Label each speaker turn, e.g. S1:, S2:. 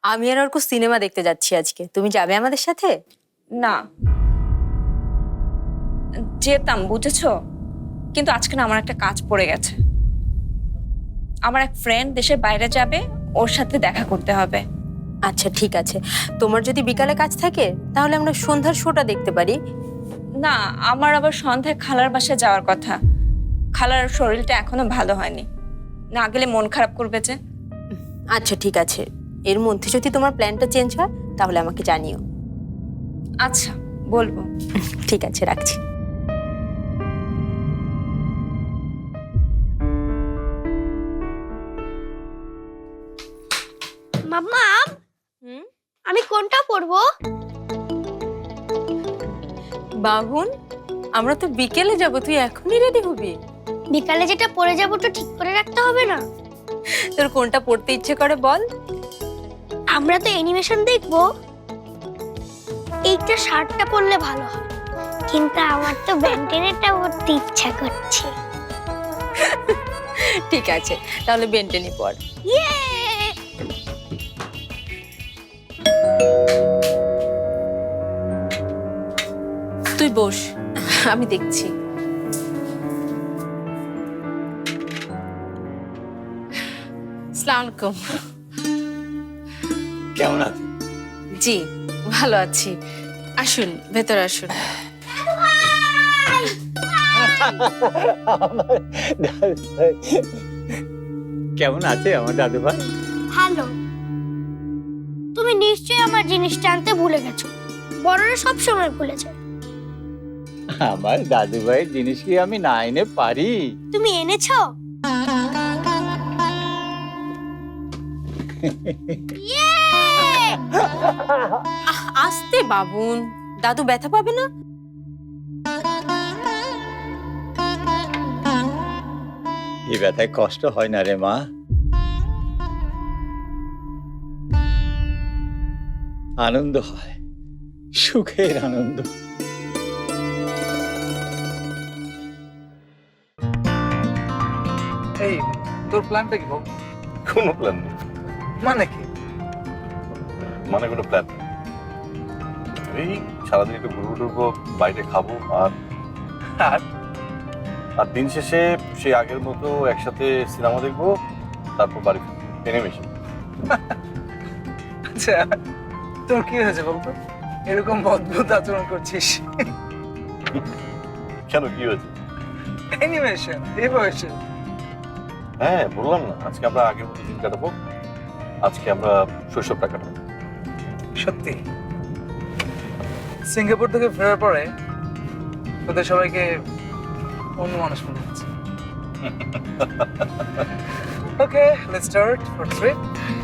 S1: আমি আর অর্ক সিনেমা দেখতে যাচ্ছি আজকে, তুমি যাবে আমাদের সাথে?
S2: না, যেতাম বুঝেছো, কিন্তু আজকে না আমার একটা কাজ পড়ে গেছে। আমার এক ফ্রেন্ড দেশের বাইরে যাবে, ওর সাথে দেখা করতে হবে।
S1: আচ্ছা ঠিক আছে, তোমার যদি বিকালে কাজ থাকে তাহলে আমরা সন্ধ্যার শোটা দেখতে পারি।
S2: না, আমার আবার সন্ধ্যায় খালার বাসায় যাওয়ার কথা। খালার শরীরটা এখনো ভালো হয়নি, না গেলে মন খারাপ করবে যে।
S1: আচ্ছা ঠিক আছে, এর মধ্যে যদি তোমার প্ল্যানটা চেঞ্জ হয় তাহলে আমাকে জানিও।
S2: আচ্ছা, বলবো।
S1: ঠিক আছে, রাখছি।
S3: মাম্মা, আমি কোনটা পরবো?
S1: বাবুন, আমরা তো বিকেলে যাব, তুই এখনই রেডি হবি?
S3: বিকালে যেটা পরে যাবো তো ঠিক করে রাখতে হবে না?
S1: তোর কোনটা পড়তে ইচ্ছে করে বল।
S3: আমরা তো অ্যানিমেশন দেখবো, এইটা শার্টটা পরলে ভালো হয়, কিন্তু আমার তো ব্যান্টেনেরটা পরতে ইচ্ছা করছে।
S1: ঠিক আছে, তাহলে বেন্টেনি পর।
S3: ইয়ে!
S1: তুই বস, আমি দেখছি। আসসালামু আলাইকুম।
S4: কেমন আছেন?
S1: জি ভালো আছি, আসুন ভেতরে আসুন।
S4: কেমন আছে আমার দাদু ভাই?
S3: ভালো। তুমি নিশ্চয়ই আমার জিনিসটা আনতে ভুলে গেছো, বড়রা সব সময় ভুলে যায়।
S4: আমার দাদু ভাইয়ের জিনিস কি আমি না এনে পারি?
S3: তুমি এনেছো? ইয়ে!
S1: আস্তে বাবুন, দাদু ব্যথা পাবে না।
S4: এই ব্যথায় কষ্ট হয় না রে মা, আনন্দ হয়, সুখের আনন্দ।
S5: এই তোর প্ল্যানটা কি বল?
S6: কোনো প্ল্যান নেই।
S5: মানে কি?
S6: মানে কোনো প্ল্যান নেই, এই সারাদিন একটু ঘুরবো টুরবো, বাইরে খাবো, আর
S5: আর
S6: আর দিন শেষে সেই আগের মতো একসাথে সিনেমা দেখবো, তারপর বাড়ি ফিরবো, অ্যানিমেশন।
S5: আচ্ছা, তোর কি হয়েছে বলতো, এরকম অদ্ভুত আচরণ করছিস?
S6: কেন, কি হয়েছে?
S5: অ্যানিমেশন এই বয়সে?
S6: হ্যাঁ বললাম না, আজকে আমরা আগের মতো দিন কাটাবো, আজকে আমরা শৈশবটা কাটাবো।
S5: সত্যি? সিঙ্গাপুর থেকে ফেরার পরে তোদের সবাইকে অন্য মানুষ মনে হচ্ছে। Okay, let's start for trip.